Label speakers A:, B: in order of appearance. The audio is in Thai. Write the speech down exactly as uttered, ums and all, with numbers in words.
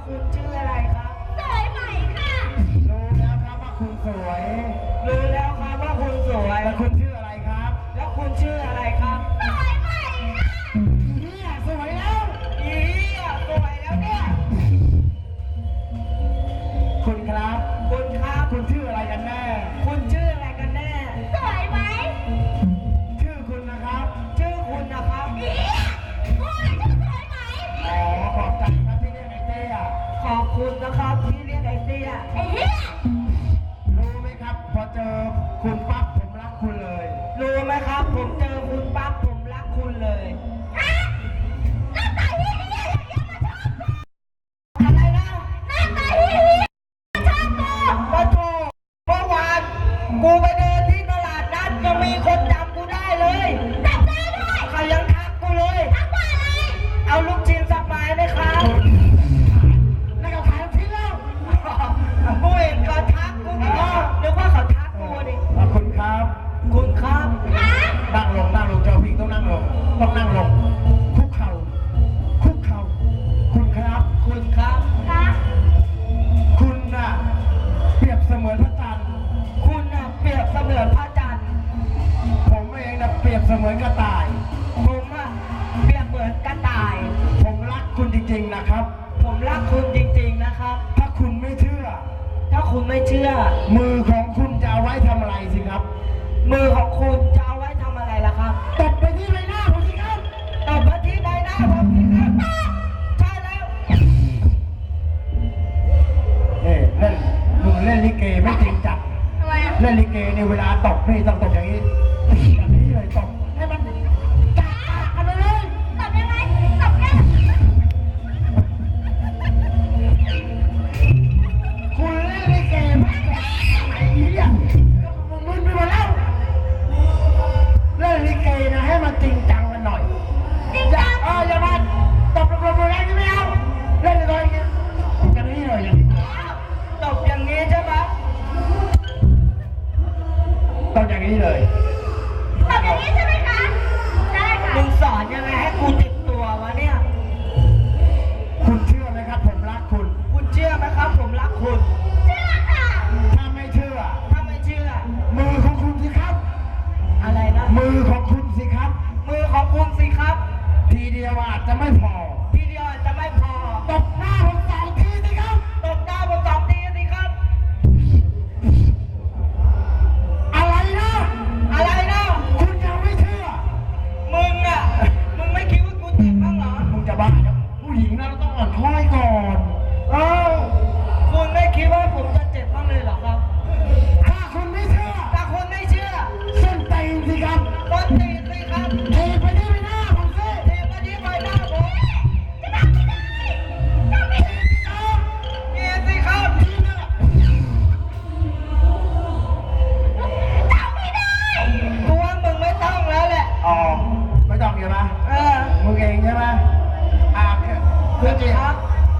A: คุณชื่ออะไรครับ
B: สวยไหมค่ะ
C: รู้แล้วครับว่าคุณสวย
A: รู้แล้วครับว่าคุณสวย
C: แล้วคุณชื่ออะไรครับ
A: แล้วคุณชื่ออะไรครับ
B: สวยไหมค่ะ
C: เนี่ยสวยแล้ว
A: อีอ่ะสวยแล้วเนี่ย
C: คุณครับ
A: คุณครับ
C: คุณชื่ออะไรกันแน่
A: คุณชื่ออะไรกันแน่
B: สวยไหม
C: ชื่อคุณนะครับ
A: ชื่อคุณนะครับ
B: อีพูดชื่อสวยไหม
C: อ๋อขอบใจครับที่เรียกไอ้เต้อะ
A: ขอบคุณนะครับที่เรียกไอ้เตี้ย
B: ไอ้เหี้ย
C: รู้ไหมครับพอเจอคุณปั๊บผมรักคุณเลย
A: รู้ไหมครับผมเจอคุณปั๊บผมรักคุณเลย
B: ฮะหน้าตาเหี้ยๆอย่างเงี้ยมาชอบกู
A: อะไรนะ
B: หน้าตาเหี้ยๆมาชอบกู
A: ปะโถเมื่อวานกูไปเดินที่ตลาดนัดยังมีคนจำกูได้เลย
B: จำได้ด้วย
A: เขายังทักกูเลย
B: ทักว่าอะไร
A: เอาลูกชิ้นสักไม้ไหมครับ
C: แล้วก็ขายทิ้งแล้ว
A: กูเห็นเขาทักกูอีกแล้วนึกว่าเขาทักกูดิ
C: ขอบคุณครับ
A: คุณครับ
B: ฮะ
C: นั่งลงนั่งลงเจ้าพี่ต้องนั่งลงต้องนั่งลงคุกเข่าคุกเข่าคุณครับ
A: คุณครับ
B: ฮะ
C: คุณน่ะเปรียบเสมือนพระจันทร์
A: คุณน่ะเปรียบเสมือนพระจันทร์
C: ผมเองน่ะเปรียบเสมือนกระต่าย
A: ผมอะเปรียบเหมือนกระต่าย
C: ผมรักคุณจริงๆนะครับ
A: ผมรักคุณจริงๆนะครับ
C: ถ้าคุณไม่เชื่อ
A: ถ้าคุณไม่เชื่อ
C: มือของคุณจะเอาไว้ทำอะไรสิครับ
A: มือของคุณจะเอาไว้ทำอะไรล่ะครับ
C: ตบไปที่ใบหน้าผมสิครับ
A: ตบมาที่ใบหน้าผมสิครับใช่แล้ว
C: เอ้เล่นมึงเล่นลิเกไม่จริงจัง
B: ทำไมอะ
C: เล่นลิเกเนี่ยเวลาตบนี่ต้องตบอย่างนี้อย่างนี้เลยตบให้มันจัดกันไปเลย
B: ตบยังไงตบแค่
C: คุณเล่นลิเกไม่แก่ไหนเนี่ยมึนไปหมดแล้วเล่นลิเกนะให้มันจริงจังกันหน่อย
B: จริง
C: อย่า
B: จัง
C: เอออย่ามาตบลงๆแรงๆนี่ไม่เอาเล่นเลยอย่างนี้เลยอย่างนี้
A: ตบอย่างนี้ใช่ไหม
C: ต้องอย่างนี้เลย
B: ตบอย่างนี้ใช่ไหมคะได้ค่ะ
A: มึงสอนยังไงให้กูติดตัววะเนี่ย
C: คุณเชื่อไหมครับผมรักคุณ
A: คุณเชื่อไหมครับ ผมรักคุณ
B: เชื่อค่ะ
C: ถ้าไม่เชื่อ
A: ถ้าไม่เชื่อ
C: มือของคุณสิครับ
A: อะไรนะ
C: มือของคุณสิครับ
A: มือของคุณสิครับ
C: ทีเดียวอาจจะไม่พอ
A: ทีเดียวอาจจะไม่พอ
C: ตบหน้าผมสองทีสิครับ
A: ตบหน้าผมสองทีสิครับ
C: อะไรนะ
A: อะไรนะ
C: คุณยังไม่เชื่อ
A: มึงอะมึงไม่คิดว่ากูเจ็บบ้างเหรอ
C: มึงจะบ้าครับผู้หญิงนะเราต้องอ่อนค่อยก่อน เออ
A: คุณไม่คิดว่าผมจะเจ็บบ้างเลยเหรอครับ
C: ถ้าคุณไม่